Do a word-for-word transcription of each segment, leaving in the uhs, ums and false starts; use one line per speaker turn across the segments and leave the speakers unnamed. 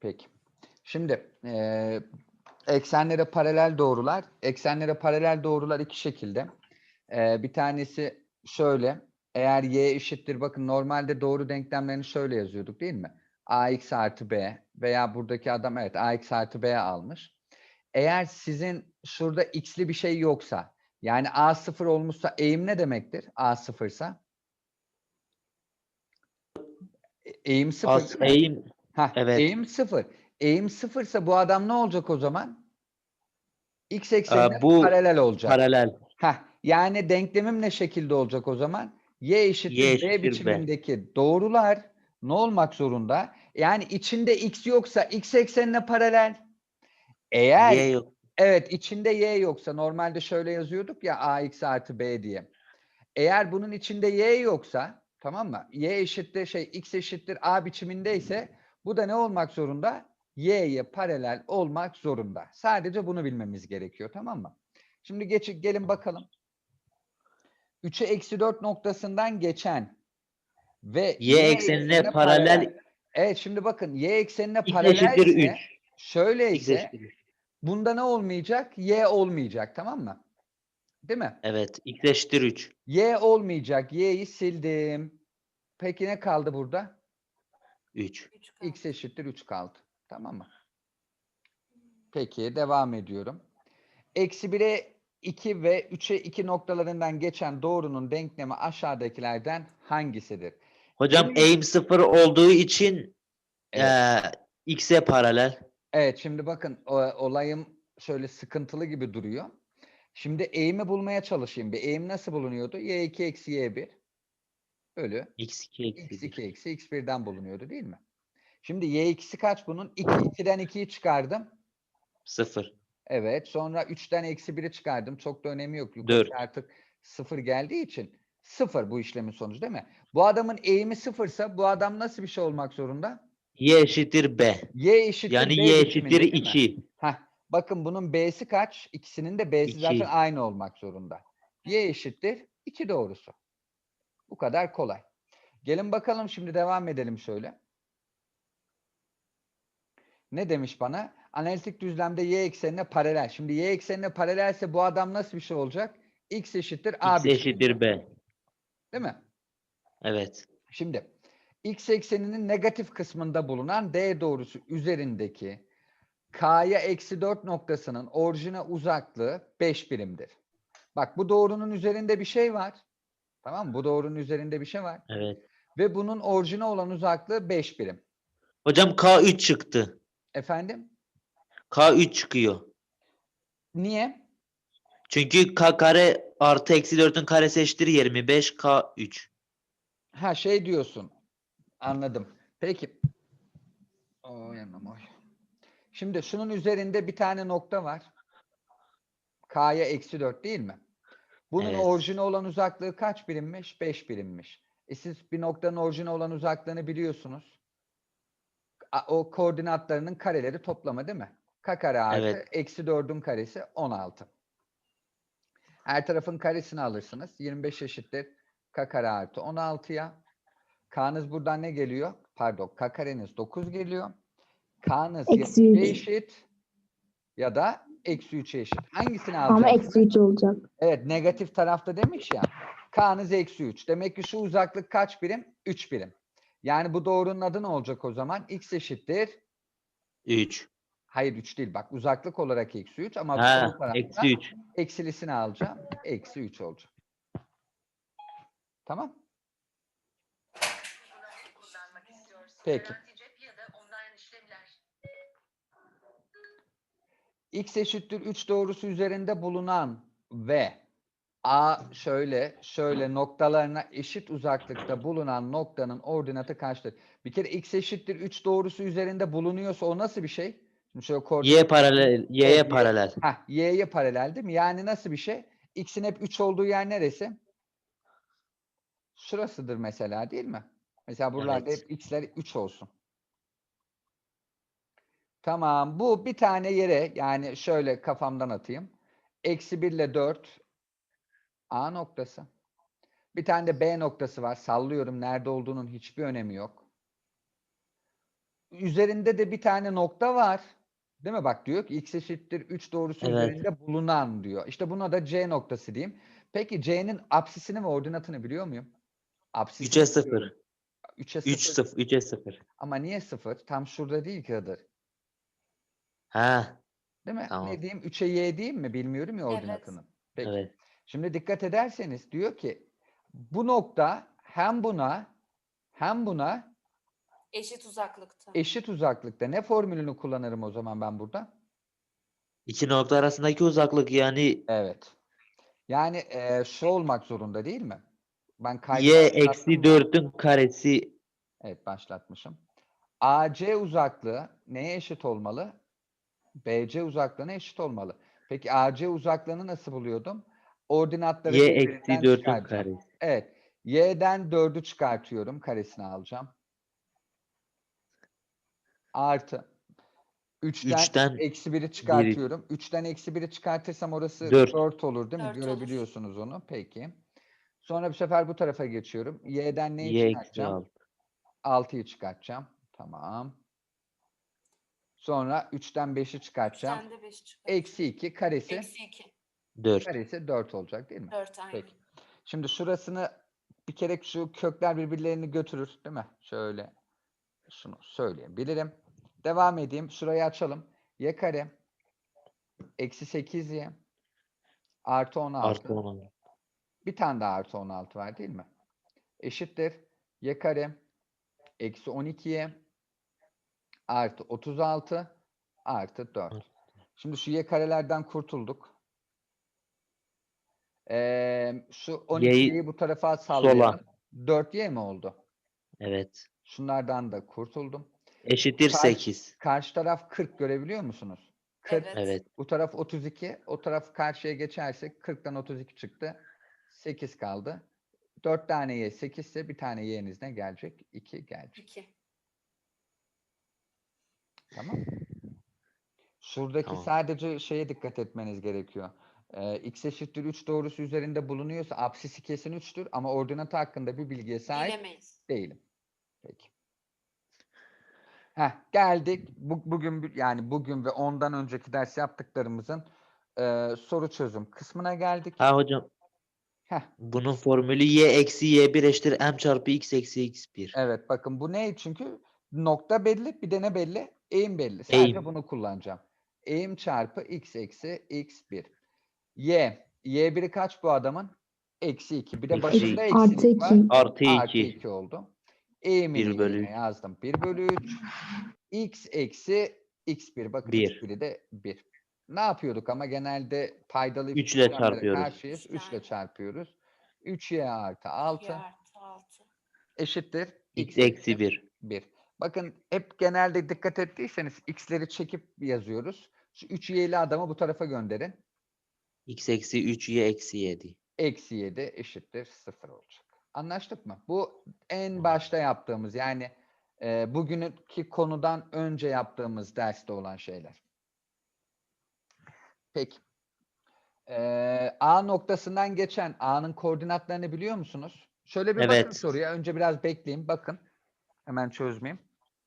Peki. Şimdi e, eksenlere paralel doğrular. Eksenlere paralel doğrular iki şekilde. E, bir tanesi şöyle. Eğer y eşittir, bakın normalde doğru denklemlerini şöyle yazıyorduk değil mi? Ax artı b veya buradaki adam evet ax artı b almış. Eğer sizin şurada x'li bir şey yoksa, yani a sıfır olmuşsa eğim ne demektir? A sıfırsa. E- Eğim sıfır
As
değil mi?
eğim
Hah,
evet.
eğim sıfır. Eğim sıfırsa bu adam ne olacak o zaman? X eksenine
Aa, bu
paralel olacak.
paralel.
Heh, yani denklemim ne şekilde olacak o zaman? Y
Y
eşittir B
eşittir B.
biçimindeki doğrular ne olmak zorunda? Yani içinde x yoksa x eksenine paralel. Eğer
Y yok.
evet içinde y yoksa, normalde şöyle yazıyorduk ya ax artı b diye. Eğer bunun içinde y yoksa, tamam mı? Y eşittir şey x eşittir a biçimindeyse bu da ne olmak zorunda? Y'ye paralel olmak zorunda. Sadece bunu bilmemiz gerekiyor, tamam mı? Şimdi geç, gelin bakalım. üçe eksi dört noktasından geçen ve
Y
y
eksenine
eksenine paralel.
paralel.
Evet, şimdi bakın y eksenine
X eşittir
paralelse
üç. X
şöyleyse
eşittir üç.
bunda ne olmayacak? Y olmayacak, tamam mı? Değil mi?
Evet. X eşittir üç.
Y olmayacak. Y'yi sildim. Peki ne kaldı burada?
üç.
X eşittir üç kaldı. Tamam mı? Peki devam ediyorum. Eksi bire iki ve üçe iki noktalarından geçen doğrunun denklemi aşağıdakilerden hangisidir?
Hocam
Benim
eğim sıfır olduğu için
evet.
eee X'e paralel.
Evet, şimdi bakın o, olayım şöyle sıkıntılı gibi duruyor. Şimdi eğimi bulmaya çalışayım. Bir eğim nasıl bulunuyordu? y iki eksi y bir bölü
X iki eksi
x
bir.
iki eksi x birden bulunuyordu değil mi? Şimdi y ikisi kaç bunun? iki. ikiden ikiyi çıkardım.
sıfır.
Evet. Sonra üçten eksi biri çıkardım. Çok da önemi yok. Yukarıya
dört.
artık sıfır geldiği için sıfır bu işlemin sonucu değil mi? Bu adamın eğimi sıfırsa bu adam nasıl bir şey olmak zorunda?
Y eşittir B.
Y eşittir
Yani
B
Y eşittir
biçiminde değil mi?
iki.
Heh. Bakın bunun B'si kaç? İkisinin de B'si zaten
iki.
aynı olmak zorunda. Y eşittir iki doğrusu. Bu kadar kolay. Gelin bakalım şimdi devam edelim şöyle. Ne demiş bana? Analitik düzlemde y eksenine paralel. Şimdi y eksenine paralelse bu adam nasıl bir şey olacak? X eşittir A
X
biçiminde.
eşittir B.
Değil mi?
Evet.
Şimdi x ekseninin negatif kısmında bulunan D doğrusu üzerindeki K'ya eksi dört noktasının orijine uzaklığı beş birimdir. Bak bu doğrunun üzerinde bir şey var. Tamam mı? Bu doğrunun üzerinde bir şey var.
Evet.
Ve bunun orijine olan uzaklığı beş birim.
Hocam K üç çıktı.
Efendim?
K üç çıkıyor.
Niye?
Çünkü K kare artı eksi dörtün karesi eşittir yirmi beş. K üç.
Ha şey diyorsun. Anladım. Peki. Oy anam oy. Şimdi şunun üzerinde bir tane nokta var. K'ya eksi dört değil mi? Bunun
Evet.
orijine olan uzaklığı kaç birimmiş? beş birimmiş. E siz bir noktanın orijine olan uzaklığını biliyorsunuz. A- O koordinatlarının kareleri toplama değil mi? K kare artı
Evet.
eksi dördün karesi on altı. Her tarafın karesini alırsınız. yirmi beş eşittir K kare artı on altıya. K'nız buradan ne geliyor? Pardon, K kareniz dokuz geliyor. K'nız ya
Eksi
üçe
üç.
eşit ya da eksi üçe eşit. Hangisini
Ama eksi
alacaksınız?
üç olacak.
Evet, negatif tarafta demiş ya. K'nız eksi üç. Demek ki şu uzaklık kaç birim? üç birim. Yani bu doğrunun adı ne olacak o zaman? X eşittir.
üç.
Hayır üç değil bak. Uzaklık olarak eksi üç ama sol
Ha,
tarafta
eksi üç.
eksilisini alacağım. Eksi üç olacak. Tamam. Peki. X eşittir üç doğrusu üzerinde bulunan ve A şöyle şöyle noktalarına eşit uzaklıkta bulunan noktanın ordinatı kaçtır? Bir kere x eşittir üç doğrusu üzerinde bulunuyorsa o nasıl bir şey? Şimdi şöyle
Y
koordinat.
paralel. Y'ye
Evet, y.
paralel.
Heh, y'ye paralel değil mi? Yani nasıl bir şey? X'in hep üç olduğu yer neresi? Şurasıdır mesela değil mi? Mesela buralarda
Evet.
hep x'ler üç olsun. Tamam. Bu bir tane yere yani şöyle kafamdan atayım. Eksi bir ile dört A noktası. Bir tane de B noktası var. Sallıyorum. Nerede olduğunun hiçbir önemi yok. üzerinde de bir tane nokta var. Değil mi? Bak diyor ki x eşittir üç doğrusu
Evet.
üzerinde bulunan diyor. İşte buna da C noktası diyeyim. Peki C'nin apsisini ve ordinatını biliyor muyum? Apsisini
üçe sıfır.
biliyorum. üçe
üç
sıfır.
sıfır. üçe sıfır.
Ama niye sıfır? Tam şurada değil ki Hıdır.
Ha,
Değil mi?
tamam.
Ne diyeyim? üçe y diyeyim mi? Bilmiyorum ya
Evet.
ordinatını. Peki.
Evet.
Şimdi dikkat ederseniz diyor ki bu nokta hem buna hem buna
Eşit uzaklıkta.
eşit uzaklıkta. Ne formülünü kullanırım o zaman ben burada?
İki nokta arasındaki uzaklık yani
Evet. Yani e, şu olmak zorunda değil mi? Ben kaydı
y
başlattım
eksi
mı?
dört'ün karesi
Evet, başlatmışım. A C uzaklığı neye eşit olmalı? B C uzaklığına eşit olmalı. Peki A C uzaklığını nasıl buluyordum? Ordinatları
y eksi
birbirinden
dört'ün
çıkaracağım.
karesi.
Evet. Y'den dördü çıkartıyorum. Karesini alacağım. Artı. üçten
üçten
eksi biri
biri
çıkartıyorum. üçten eksi biri çıkartırsam orası
dört.
dört olur değil mi?
Dört olur.
Görebiliyorsunuz onu. Peki. Sonra bu sefer bu tarafa geçiyorum. Y'den neyi
Y eksi
çıkartacağım?
altı.
altıyı çıkartacağım. Tamam. Sonra üçten beşi çıkartacağım.
Üçten de beş çıkar.
Eksi iki karesi.
Eksi iki.
dört.
Karesi dört olacak değil mi?
Dört aynen.
Peki. Şimdi şurasını bir kere şu kökler birbirlerini götürür değil mi? Şöyle şunu söyleyebilirim. Devam edeyim. Şurayı açalım. Y kare eksi sekiz y artı on altı.
Artı on.
Bir tane daha artı on altı var değil mi? Eşittir. Y kare eksi on iki y artı otuz altı artı dört. Şimdi şu y karelerden kurtulduk. Ee, şu on iki y'yi
Y'yi
bu tarafa sallayalım.
sola.
dört y mi oldu?
Evet.
Şunlardan da kurtuldum.
Eşittir
Karşı,
sekiz.
karşı taraf kırk görebiliyor musunuz? kırk.
Evet.
Evet.
Bu taraf otuz iki. O taraf karşıya geçersek kırktan otuz iki çıktı. sekiz kaldı. dört tane y sekiz ise bir tane y'niz ne gelecek? iki gelecek.
iki.
Tamam. Şuradaki
Tamam.
sadece şeye dikkat etmeniz gerekiyor. Ee, x eşittir üç doğrusu üzerinde bulunuyorsa apsisi kesin üçtür ama ordinatı hakkında bir bilgiye sahip
Bilemeyiz.
değilim. Peki. Heh, geldik. Bu, bugün bir- yani bugün ve ondan önceki ders yaptıklarımızın e, soru çözüm kısmına geldik.
Ha hocam
Heh,
bunun formülü y eksi y bir eşittir m çarpı x eksi x bir.
evet bakın bu ne? Çünkü nokta belli, bir de ne belli? Eğim belli. Sadece
Eğim.
bunu kullanacağım. Eğim çarpı x eksi x bir. Y. y biri kaç bu adamın? Eksi iki. Bir de
Eksi
başında
iki.
Artı
eksilik var.
iki.
Artı
Artı
iki.
iki oldu. Eğimini
bir bölü
yerine
üç.
yazdım. bir bölü üç. X eksi x bir. Bakın
bir.
x biri de bir. Ne yapıyorduk ama genelde paydalı
üç ile
işlemlere
çarpıyoruz.
karşıyız. üç ile
Aynen.
çarpıyoruz. üç y artı
y
altı
artı altı.
eşittir
x
x
eksi bir.
bir. Bakın hep genelde dikkat ettiyseniz x'leri çekip yazıyoruz. Şu üç y'li adamı bu tarafa gönderin.
x eksi üç y eksi yedi.
Eksi yedi eşittir sıfır olacak. Anlaştık mı? Bu en başta yaptığımız yani e, bugünkü konudan önce yaptığımız derste olan şeyler. Peki. E, A noktasından geçen A'nın koordinatlarını biliyor musunuz? Şöyle bir bakın
Evet.
soruya. Önce biraz bekleyin. Bakın. Hemen çözmeyeyim.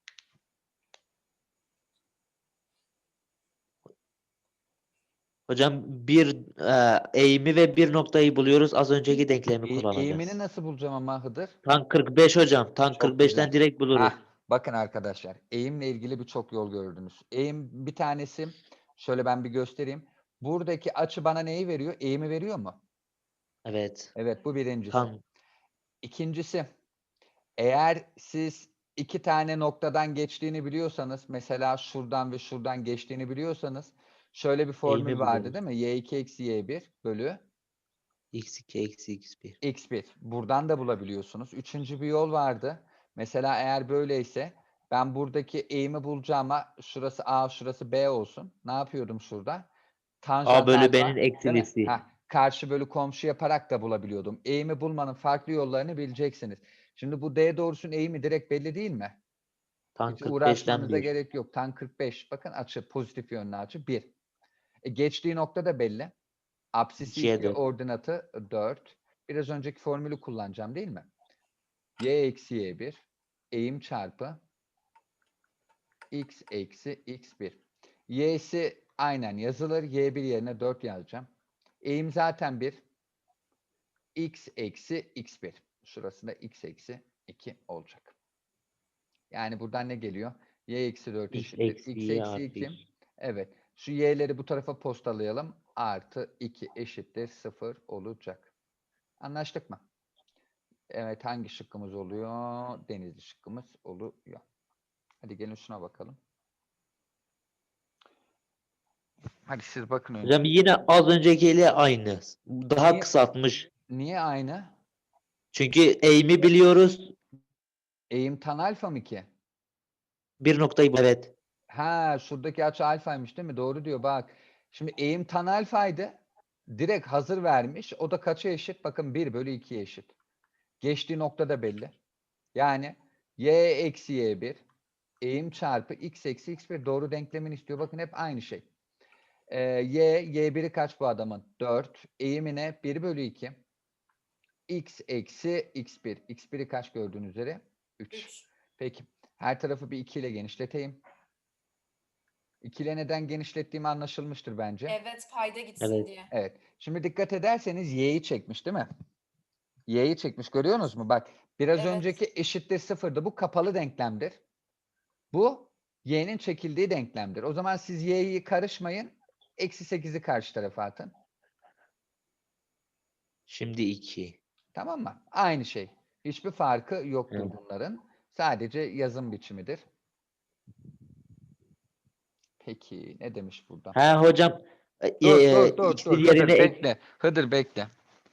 Hocam bir e, eğimi ve bir noktayı buluyoruz. Az önceki denklemi
E, eğimini
kullanacağız.
nasıl bulacağım ama Hıdır?
Tan kırk beş hocam. Tan
Çok
kırk beşten
güzel.
direkt buluruz.
Hah, bakın arkadaşlar. Eğimle ilgili birçok yol gördünüz. Eğim bir tanesi. Şöyle ben bir göstereyim. Buradaki açı bana neyi veriyor? Eğimi veriyor mu?
Evet.
Evet, bu birincisi.
Tan
İkincisi, eğer siz iki tane noktadan geçtiğini biliyorsanız, mesela şuradan ve şuradan geçtiğini biliyorsanız, şöyle bir formül
eğimi
vardı
buluruz.
değil mi? y iki eksi y bir bölü
x iki eksi x bir.
x bir. Buradan da bulabiliyorsunuz. Üçüncü bir yol vardı. Mesela eğer böyleyse ben buradaki eğimi bulacağıma şurası a, şurası b olsun. Ne yapıyordum şurada?
A
Tanjant
bölü
alfa,
b'nin
değil mi?
eksilisi.
Heh, karşı bölü komşu yaparak da bulabiliyordum. Eğimi bulmanın farklı yollarını bileceksiniz. Şimdi bu d doğrusunun eğimi direkt belli değil mi?
Tan
Hiç
kırk beşten
uğraşmanıza
bir.
gerek yok. Tan kırk beş. Bakın açı pozitif yönlü açı bir. E, geçtiği nokta da belli. Apsisi
ikiye
iki,
dört.
ordinatı dört. Biraz önceki formülü kullanacağım değil mi? Y eksi y bir eğim çarpı x eksi x bir. Y'si aynen yazılır. y bir yerine dört yazacağım. Eğim zaten bir. X eksi x bir. Şurası da x eksi iki olacak. Yani buradan ne geliyor? Y eksi dört
X
eşittir.
eksi
X
y
eksi
artı
iki.
iki.
Evet. Şu y'leri bu tarafa postalayalım. Artı iki eşittir sıfır olacak. Anlaştık mı? Evet, hangi şıkkımız oluyor? Denizli şıkkımız oluyor. Hadi gelin şuna bakalım. Hadi siz bakın önce.
Hocam yine az öncekiyle aynı. Daha
Niye?
kısaltmış.
Niye aynı?
Çünkü eğimi biliyoruz.
Eğim tan alfa mı ki?
Bir noktayı evet.
Ha, şuradaki açı alfaymış değil mi? Doğru diyor bak. Şimdi eğim tan alfaydı. Direkt hazır vermiş. O da kaça eşit? Bakın bir bölü ikiye eşit. Geçtiği nokta da belli. Yani y eksi y bir eğim çarpı x eksi x bir doğru denklemini istiyor. Bakın hep aynı şey. Ee, y, y biri kaç bu adamın? dört. Eğimine bir bölü iki. X eksi x bir. x biri kaç gördüğünüz üzere? üç.
üç.
Peki. Her tarafı bir iki ile genişleteyim. iki ile neden genişlettiğimi anlaşılmıştır bence.
Evet, payda gitsin
Evet.
diye.
Evet. Şimdi dikkat ederseniz y'yi çekmiş değil mi? Y'yi çekmiş. Görüyorsunuz mu? Bak biraz
Evet.
önceki eşittir sıfırdı. Bu kapalı denklemdir. Bu y'nin çekildiği denklemdir. O zaman siz y'yi karışmayın. Eksi sekizi karşı tarafa atın.
Şimdi iki.
Tamam mı? Aynı şey. Hiçbir farkı yoktur
Evet.
bunların. Sadece yazım biçimidir. Peki ne demiş burada?
Ha hocam
Dur
e,
dur dur
x'in
dur.
yerine
Hıdır
ek-
bekle. Hıdır bekle.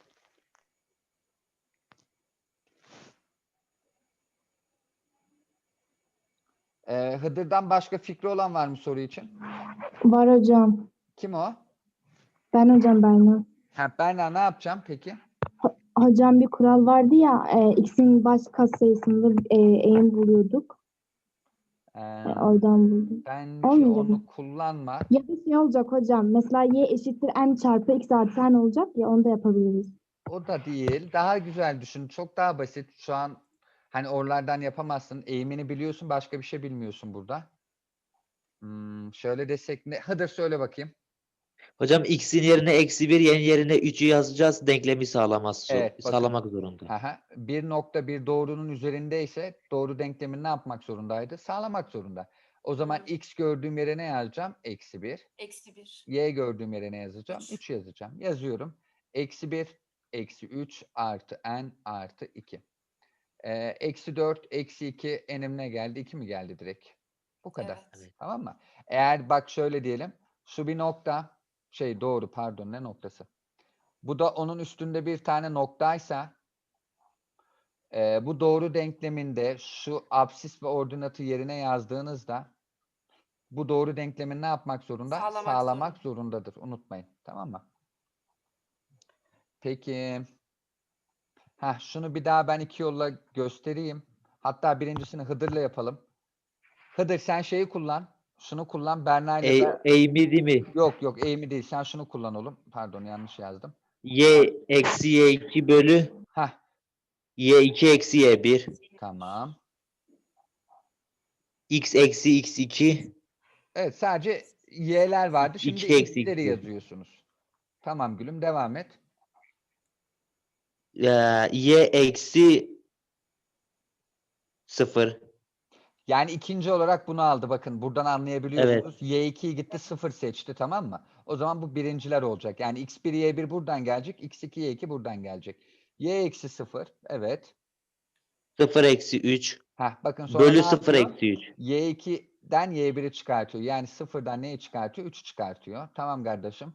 Ee, Hıdır'dan başka fikri olan var mı soru için?
Var hocam.
Kim o?
Ben hocam Berna.
Ha, Berna ne yapacağım peki?
Hocam bir kural vardı ya, e, x'in baş katsayısında e, eğim buluyorduk.
Ee,
E, oradan buldum.
bence
Olmayacak
onu
mı?
kullanma.
Ya da şey olacak hocam. Mesela y eşittir m çarpı x artı n olacak ya, onu da yapabiliriz.
O da değil. Daha güzel düşün. Çok daha basit. Şu an hani oralardan yapamazsın. Eğimini biliyorsun. Başka bir şey bilmiyorsun burada. Hmm, şöyle desek ne? Hıdır söyle bakayım.
hocam x'in yerine eksi bir, y'nin yerine üçü yazacağız. Denklemi sağlaması
Evet, bakın.
sağlamak zorunda.
Aha, bir nokta bir doğrunun üzerindeyse doğru denklemini ne yapmak zorundaydı? Sağlamak zorunda. O zaman
Hı.
x gördüğüm yere ne yazacağım? Eksi bir.
Eksi bir.
Y gördüğüm yere ne yazacağım?
Üç.
üç yazacağım. Yazıyorum. Eksi bir, eksi üç artı n artı iki. Ee, eksi dört, eksi iki n'im ne geldi? iki mi geldi direkt? Bu kadar.
Evet.
Evet.
Tamam mı? Eğer bak şöyle diyelim. Şu bir nokta. Şey doğru pardon ne noktası? Bu da onun üstünde bir tane noktaysa e, bu doğru denkleminde şu absis ve ordinatı yerine yazdığınızda bu doğru denklemin ne yapmak zorunda?
Sağlamak
Sağlamak zorundadır. Unutmayın. Tamam mı? Peki. Heh, şunu bir daha ben iki yolla göstereyim. Hatta birincisini Hıdır'la yapalım. Hıdır sen şeyi kullan. Şunu kullan. Berna ile
E,
ben...
eğimi değil mi?
Yok yok eğimi değil. Sen şunu kullan oğlum. Pardon yanlış yazdım.
Y eksi y iki bölü
Heh,
y iki eksi y bir.
tamam.
X eksi x iki.
Evet sadece y'ler vardı. Şimdi
iki eksi
x'leri
iki.
yazıyorsunuz. Tamam gülüm devam et.
Ee, y eksi sıfır.
Yani ikinci olarak bunu aldı. Bakın buradan anlayabiliyorsunuz. y ikiyi gitti sıfır seçti tamam mı? O zaman bu birinciler olacak. Yani x bir y bir buradan gelecek. x iki y iki buradan gelecek. Y eksi sıfır. Evet.
sıfır eksi üç.
Heh, bakın sonra
Bölü
ne
sıfır
yapıyor?
eksi üç.
y iki'den y biri çıkartıyor. Yani sıfırdan neyi çıkartıyor? üçü çıkartıyor. Tamam kardeşim.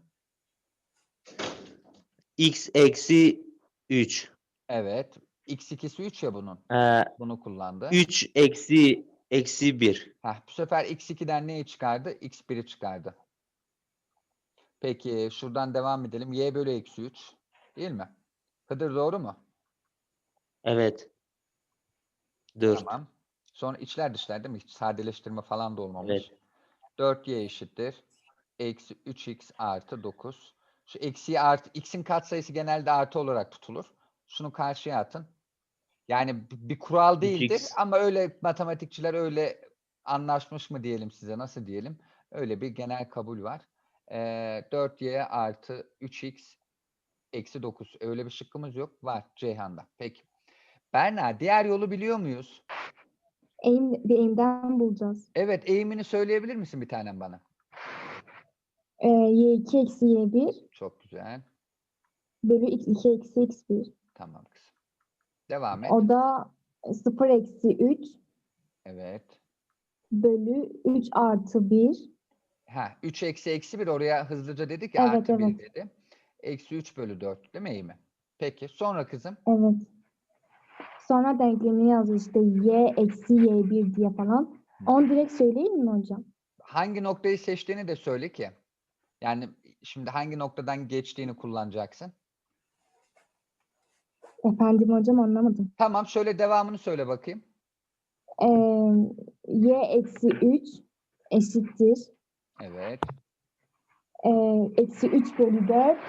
X eksi üç.
Evet. x ikisi üç ya bunun.
Ee,
Bunu kullandı.
üç eksi eksi bir.
Heh, bu sefer x iki'den neyi çıkardı? x biri çıkardı. Peki şuradan devam edelim. Y bölü eksi üç. Değil mi? Hıdır doğru mu?
Evet. dört.
Tamam. Sonra içler dışlar değil mi? Hiç sadeleştirme falan da olmamış.
Evet.
dört y eşittir. Eksi üç x artı dokuz. Şu eksiyi artı, x'in katsayısı genelde artı olarak tutulur. Şunu karşıya atın. Yani b- bir kural değildir
üç x.
ama öyle matematikçiler öyle anlaşmış mı diyelim size, nasıl diyelim? Öyle bir genel kabul var. Ee, dört y artı üç x eksi dokuz. Öyle bir şıkkımız yok. Var Ceyhan'da. Peki. Berna, diğer yolu biliyor muyuz?
Eğim, bir eğimden bulacağız.
Evet, eğimini söyleyebilir misin bir tanem bana?
E, y iki eksi y bir
Çok güzel.
bölü x iki eksi x bir.
Tamam kızım. Devam et.
O da sıfır eksi üç
Evet.
bölü üç artı bir.
Ha, üç eksi eksi bir, oraya hızlıca dedik ya,
Evet,
artı bir
evet.
dedi. Eksi üç bölü dört değil mi eğimi? Peki. Sonra kızım.
Evet. Sonra denklemini yazıyor işte y eksi y bir diye falan. Onu direkt söyleyeyim mi hocam?
Hangi noktayı seçtiğini de söyle ki. Yani şimdi hangi noktadan geçtiğini kullanacaksın.
Efendim hocam anlamadım.
Tamam, şöyle devamını söyle bakayım.
Ee, y eksi üç eşittir.
Evet.
e, eksi üç bölü dört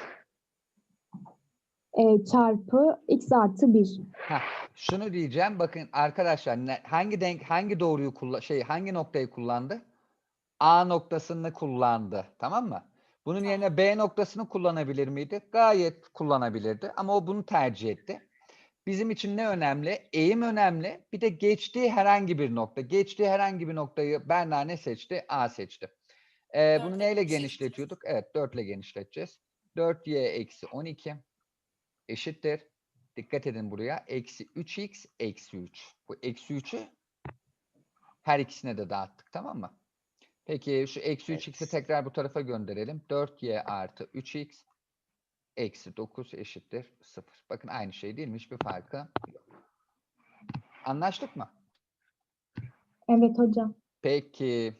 e, çarpı x artı bir.
Heh, şunu diyeceğim. Bakın arkadaşlar, ne- hangi denk hangi doğruyu kullan şey hangi noktayı kullandı? A noktasını kullandı. Tamam mı? Bunun yerine B noktasını kullanabilir miydi? Gayet kullanabilirdi. Ama o bunu tercih etti. Bizim için ne önemli? Eğim önemli. Bir de geçtiği herhangi bir nokta. Geçtiği herhangi bir noktayı Berna ne seçti? A seçti. Ee, bunu
Dörtle
neyle
genişleteceğiz.
genişletiyorduk? Evet, dört ile genişleteceğiz. dört y eksi on iki eşittir. Dikkat edin buraya. Eksi üç x eksi üç. Bu eksi üçü her ikisine de dağıttık. Tamam mı? Peki şu eksi üç x'i
Evet.
tekrar bu tarafa gönderelim. dört y artı üç x eksi dokuz eşittir sıfır. Bakın aynı şey değil mi? Hiçbir farkı yok. Anlaştık mı?
Evet hocam.
Peki.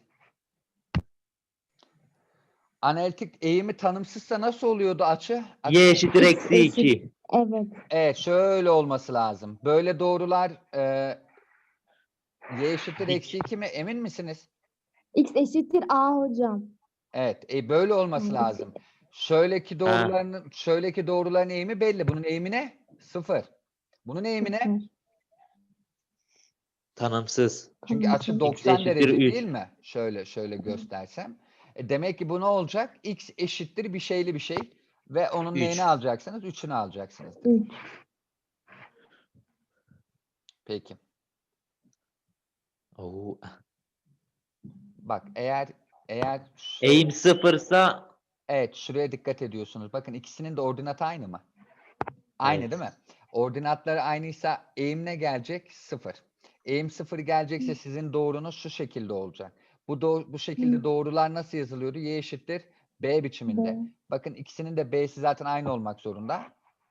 Analitik eğimi tanımsızsa nasıl oluyordu açı?
Y eşittir
X
eksi
eşit.
iki.
Evet.
Evet, şöyle olması lazım. Böyle doğrular e, y eşittir
Dik.
eksi iki mi? Emin misiniz?
X eşittir a hocam.
Evet, e, böyle olması
Yani
lazım. Şöyleki
Ha,
doğruların, şöyleki doğruların eğimi belli. Bunun eğimi ne? Sıfır. Bunun eğimi ne?
sıfır.
Çünkü
tanımsız.
Tamam.
açı
X
doksan
eşittir
derece değil
üç.
mi? Şöyle şöyle göstersem. E, demek ki bu ne olacak? X eşittir bir şeyli bir şey. Ve onun neyini
üç.
alacaksınız? Üçünü alacaksınız demek.
üç.
Peki.
Oo.
Bak eğer eğer şu-
Eğim sıfırsa
evet, şuraya dikkat ediyorsunuz. Bakın ikisinin de ordinatı aynı mı? Aynı
evet.
değil mi? Ordinatları aynıysa eğim ne gelecek? Sıfır. Eğim sıfır gelecekse sizin doğrunuz şu şekilde olacak. Bu doğ- bu şekilde
Hı.
doğrular nasıl yazılıyordu? Y eşittir B biçiminde.
B.
Bakın ikisinin de B'si zaten aynı olmak zorunda.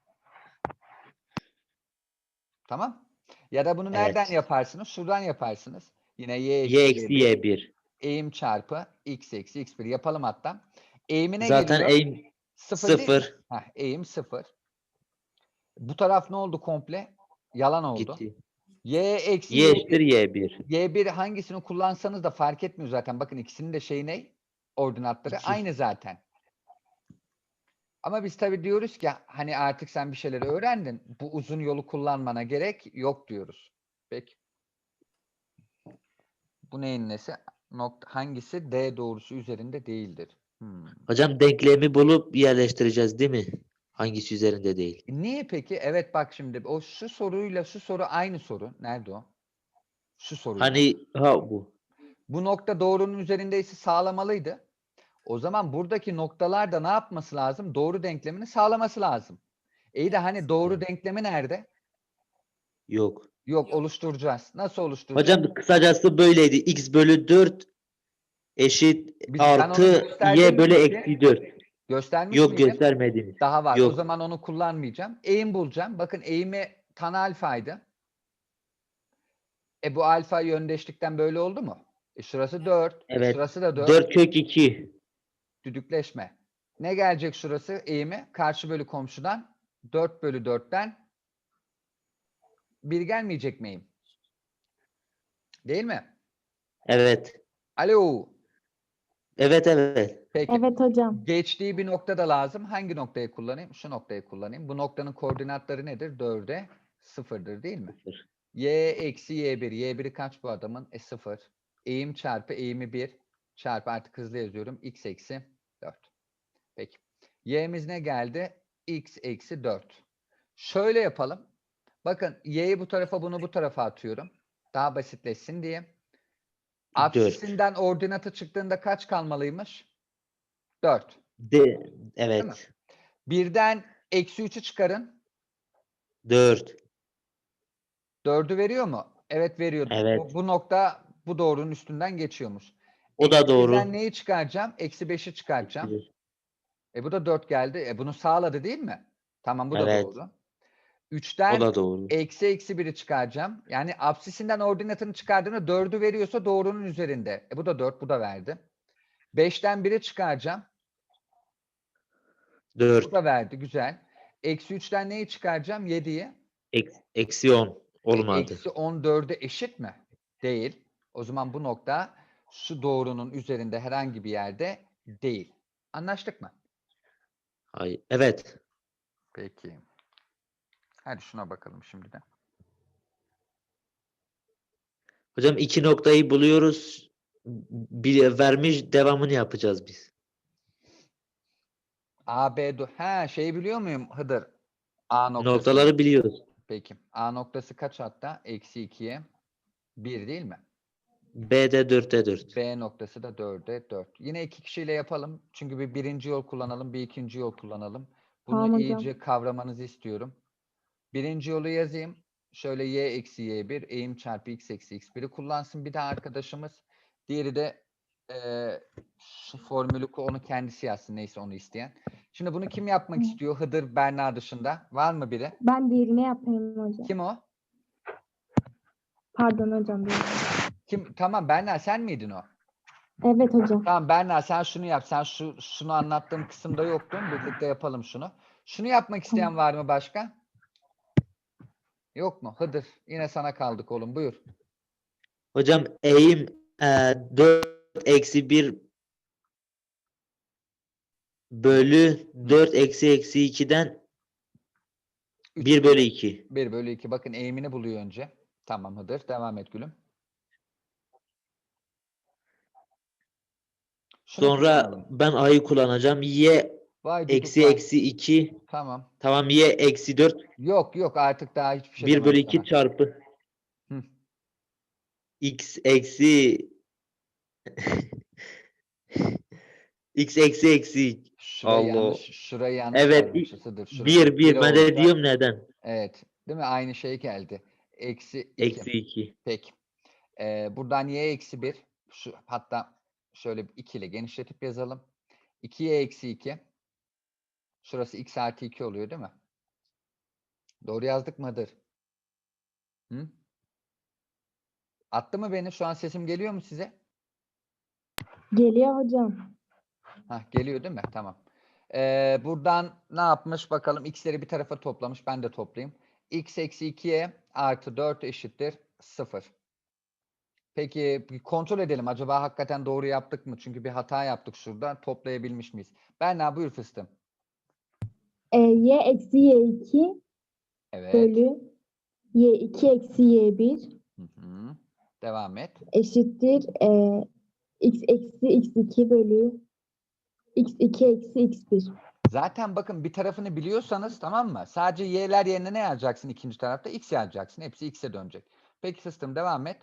Tamam? Ya da bunu nereden
Evet.
yaparsınız? Şuradan yaparsınız. Yine Y
Y
eksi
eksi
Y bir.
Y bir.
Eğim çarpı X eksi X bir yapalım hatta. Eğimine
Zaten
geliyor.
eğim
Sıfır değil mi?
sıfır.
Heh, eğim sıfır. Bu taraf ne oldu komple? Yalan oldu.
Gitti.
Y eksi
Y
Y
eşittir
bir.
Y bir.
Y bir hangisini kullansanız da fark etmiyor zaten. Bakın ikisinin de şeyi ne? Ordinatları
iki.
aynı zaten. Ama biz tabii diyoruz ki hani artık sen bir şeyleri öğrendin. Bu uzun yolu kullanmana gerek yok diyoruz. Peki. Bu neyin nesi? Nokta, hangisi D doğrusu üzerinde değildir? Hmm.
Hocam denklemi bulup yerleştireceğiz değil mi? Hangisi üzerinde değil.
E Niye peki? Evet bak şimdi o şu soruyla şu soru aynı soru. Nerede o? Şu soruyla.
Hani ha bu.
Bu nokta doğrunun üzerindeyse sağlamalıydı. O zaman buradaki noktalar da ne yapması lazım? Doğru denklemini sağlaması lazım. İyi de hani doğru denklemi nerede?
Yok.
Yok,
Yok.
oluşturacağız. Nasıl oluşturacağız?
Hocam kısacası böyleydi. X bölü dört eşit
Biz, ben onu
artı
gösterdim
Y
mi
bölü
peki?
eksi dört.
Göstermiş
Yok
miydim?
göstermediniz.
Daha var. O
Yok.
zaman onu kullanmayacağım. Eğim bulacağım. Bakın eğimi tan alfaydı. E bu alfa yöndeşlikten böyle oldu mu? E şurası dört. E
Evet.
şurası da dört.
dört kök iki.
Düdükleşme. Ne gelecek şurası eğimi? Karşı bölü komşudan dört bölü dörtten bir gelmeyecek mi eğim? Değil mi?
Evet.
Alo.
Evet evet.
Peki.
Evet hocam.
Geçtiği bir nokta da lazım. Hangi noktayı kullanayım? Şu noktayı kullanayım. Bu noktanın koordinatları nedir? dörde sıfırdır değil mi?
Sıfır.
Y eksi Y bir. Y biri kaç bu adamın? E sıfır. Eğim çarpı eğimi bir çarpı artık hızlı yazıyorum. X eksi dört. Peki. Y'miz ne geldi? X eksi dört. Şöyle yapalım. Bakın y'yi bu tarafa bunu bu tarafa atıyorum. Daha basitleşsin diye.
dört.
Apsisinden ordinatı çıktığında kaç kalmalıymış? dört.
De,
Değil mi?
evet.
Birden eksi üçü çıkarın.
dört.
dördü veriyor mu? Evet veriyor.
Evet.
Bu, bu nokta bu doğrunun üstünden geçiyormuş.
O da
Eksi birden
doğru.
neyi çıkaracağım? Eksi beşi çıkaracağım.
Bir.
E bu da dört geldi. E bunu sağladı değil mi? Tamam bu da
Evet.
doğru.
O
üçten
da doğru.
eksi eksi biri çıkaracağım. Yani apsisinden ordinatını çıkardığında dördü veriyorsa doğrunun üzerinde. E bu da dört, bu da verdi. beşten biri çıkaracağım. Bu
dört.
da verdi. Güzel. Eksi üçten neyi çıkaracağım? yediyi.
Eks, eksi on.
E,
Olmadı.
eksi on dörde eşit mi? Değil. O zaman bu nokta şu doğrunun üzerinde herhangi bir yerde değil. Anlaştık mı?
Hayır. Evet.
Peki. Hadi şuna bakalım şimdi de.
Hocam iki noktayı buluyoruz. Bir vermiş, devamını yapacağız biz.
A, B, do- ha şeyi biliyor muyum Hıdır? A noktasını.
Noktaları biliyoruz.
Peki. A noktası kaç hatta? Eksi ikiye bir değil mi?
B'de dörtte dört.
B noktası da dörde dört. Yine iki kişiyle yapalım. Çünkü bir birinci yol kullanalım, bir ikinci yol kullanalım. Bunu
Tamam hocam.
iyice kavramanızı istiyorum. Birinci yolu yazayım. Şöyle y eksi y bir eğim çarpı x eksi x bir'i kullansın bir de arkadaşımız. Diğeri de eee şu formülü ko- onu kendisi yazsın neyse onu isteyen. Şimdi bunu kim yapmak
Hı.
istiyor? Hıdır, Berna dışında. Var mı biri?
Ben diğerini yapayım hocam.
Kim o?
Pardon hocam. diğerini.
Kim? Tamam Berna sen miydin o?
Evet hocam.
Tamam Berna sen şunu yap. Sen şu şunu anlattığım kısımda yoktun. Birlikte yapalım şunu. Şunu yapmak isteyen var mı başka? Yok mu? Hıdır. Yine sana kaldık oğlum. Buyur.
Hocam eğim e, dört eksi bir bölü dört eksi eksi ikiden
Üç
bir bölü iki.
bir bölü iki. Bakın eğimini buluyor önce. Tamam Hıdır. Devam et gülüm. Şunu
Sonra
kullanalım.
ben a'yı kullanacağım. Y
Vay düdük
eksi
vay.
eksi iki.
Tamam.
Tamam, y eksi dört.
Yok yok artık daha hiçbir şey
bir
demem
bölü iki
sana.
çarpı
Hı.
x eksi x eksi eksi.
Şurayı
Allah.
yanlış, şurayı yanlış
Evet.
yazmışız Hıdır. Şurası
Bir bir. Ben de
olsa-
diyorum neden?
Evet. Değil mi? Aynı şey geldi. Eksi iki.
Eksi iki.
Peki. Ee, buradan y eksi bir. Şu, hatta şöyle iki ile genişletip yazalım. iki y eksi iki. Şurası x artı iki oluyor değil mi? Doğru yazdık mı Hıdır? Hı? Attı mı beni? Şu an sesim geliyor mu size?
Geliyor hocam.
Hah, geliyor değil mi? Tamam. Ee, buradan ne yapmış bakalım? X'leri bir tarafa toplamış. Ben de toplayayım. X eksi ikiye artı dört eşittir sıfır. Peki bir kontrol edelim. Acaba hakikaten doğru yaptık mı? Çünkü bir hata yaptık şurada. Toplayabilmiş miyiz? Berna buyur fıstığım.
E, y eksi y iki
Evet.
bölü y iki eksi y bir
Hı hı. Devam et.
eşittir e, x eksi x iki bölü x iki eksi x bir.
Zaten bakın bir tarafını biliyorsanız tamam mı? Sadece y'ler yerine ne yazacaksın ikinci tarafta? X yazacaksın. Hepsi x'e dönecek. Peki fıstığım devam et.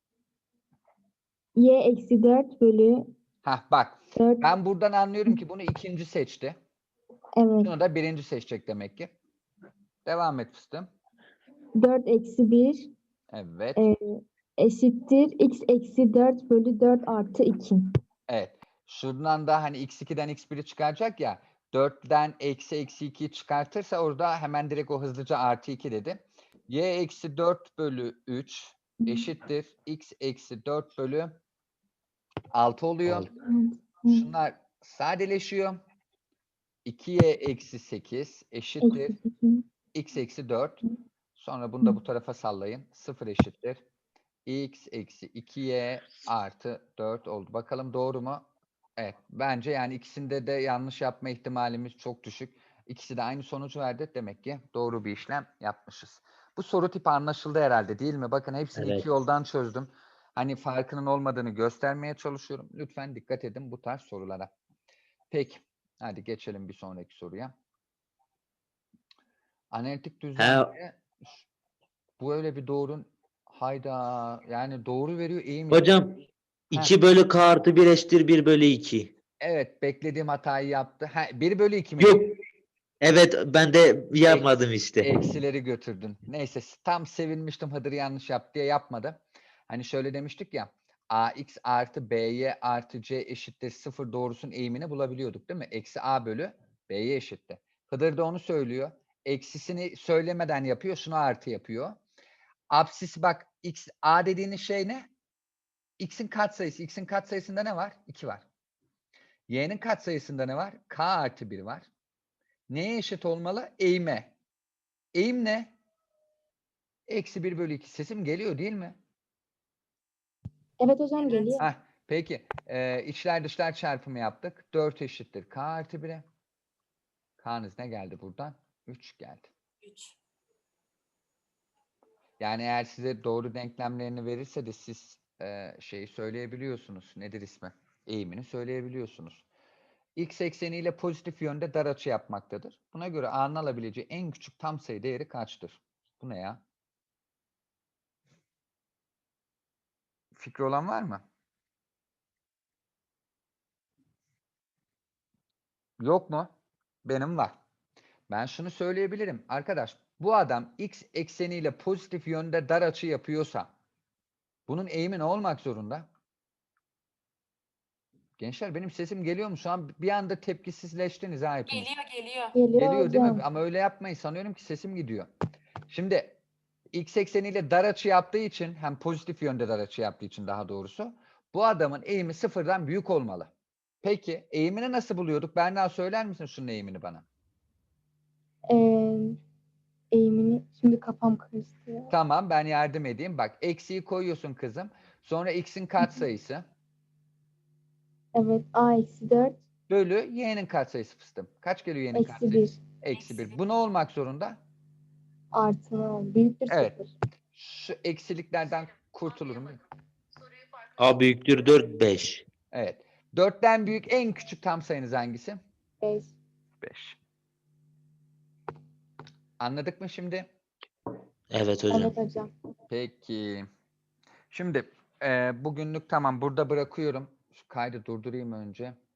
Y eksi dört bölü
Hah bak.
dört.
Ben buradan anlıyorum ki bunu ikinci seçti.
Evet.
Şunu da birinci seçecek demek ki. Devam et fıstığım.
dört eksi bir
Evet.
e, eşittir x eksi dört bölü dört artı iki.
Evet. Şuradan da hani x ikiden x biri çıkaracak ya. dörtten eksi eksi ikiyi çıkartırsa orada hemen direkt o hızlıca artı iki dedi. Y eksi dört bölü üç eşittir. X eksi dört bölü altı oluyor.
Altı.
Şunlar sadeleşiyor. iki y eksi sekiz eşittir.
Eksi sekiz.
X eksi dört. Sonra bunu da bu tarafa sallayın. sıfır eşittir. X eksi iki y artı dört oldu. Bakalım doğru mu? Evet. Bence yani ikisinde de yanlış yapma ihtimalimiz çok düşük. İkisi de aynı sonucu verdi. Demek ki doğru bir işlem yapmışız. Bu soru tipi anlaşıldı herhalde değil mi? Bakın hepsini
Evet.
iki yoldan çözdüm. Hani farkının olmadığını göstermeye çalışıyorum. Lütfen dikkat edin bu tarz sorulara. Peki. Hadi geçelim bir sonraki soruya. Analitik düzlemde bu öyle bir doğrun hayda yani doğru veriyor eğim yok.
Hocam
Heh.
iki bölü k artı bir eşittir bir bölü iki.
Evet beklediğim hatayı yaptı. Ha, bir bölü iki mi?
Yok. Evet ben de yapmadım işte.
Eksileri götürdün. Neyse tam sevinmiştim Hıdır yanlış yaptı diye yapmadı. Hani şöyle demiştik ya ax artı by artı c eşittir sıfır doğrusunun eğimini bulabiliyorduk değil mi? Eksi a bölü by eşittir. Hıdır da onu söylüyor. Eksisini söylemeden yapıyor. Şunu artı yapıyor. Absis bak x a dediğiniz şey ne? X'in katsayısı. X'in katsayısında ne var? iki var. Y'nin katsayısında ne var? K artı bir var. Neye eşit olmalı? Eğime. Eğim ne? Eksi bir bölü iki. Sesim geliyor değil mi?
Evet hocam geliyor.
Heh, peki. Ee, içler dışlar çarpımı yaptık. dört eşittir K artı bire. K'nız ne geldi buradan? üç geldi.
üç.
Yani eğer size doğru denklemlerini verirse de siz e, şeyi söyleyebiliyorsunuz. Nedir ismi? Eğimini söyleyebiliyorsunuz. X ekseniyle pozitif yönde dar açı yapmaktadır. Buna göre A'nın alabileceği en küçük tam sayı değeri kaçtır? Bu ne ya? Fikri olan var mı? Yok mu? Benim var. Ben şunu söyleyebilirim. Arkadaş bu adam X ekseniyle pozitif yönde dar açı yapıyorsa bunun eğimi ne olmak zorunda? Gençler benim sesim geliyor mu? Şu an bir anda tepkisizleştiniz ha hepiniz.
Geliyor geliyor.
Geliyor,
Geliyor değil mi?
hocam.
Ama öyle yapmayın. Sanıyorum ki sesim gidiyor. Şimdi X ekseniyle dar açı yaptığı için hem pozitif yönde dar açı yaptığı için daha doğrusu bu adamın eğimi sıfırdan büyük olmalı. Peki eğimini nasıl buluyorduk? Berna söyler misin şunun eğimini bana?
Ee, eğimini şimdi kafam karıştı ya.
Tamam ben yardım edeyim. Bak eksiği koyuyorsun kızım. Sonra x'in katsayısı
Evet a eksi dört
bölü y'nin katsayısı fıstım. Kaç geliyor y'nin
eksi
katsayısı?
bir
Eksi
Eksi
bir.
bir.
Bu ne olmak zorunda?
artı büyüktür
Evet.
sıfır.
Şu eksiliklerden kurtulurum. değil mi?
A büyüktür dört beş.
Evet. dörtten büyük en küçük tam sayınız hangisi?
beş.
beş. Anladık mı şimdi?
Evet hocam.
Evet hocam.
Peki. Şimdi e, bugünlük tamam burada bırakıyorum. Şu kaydı durdurayım önce.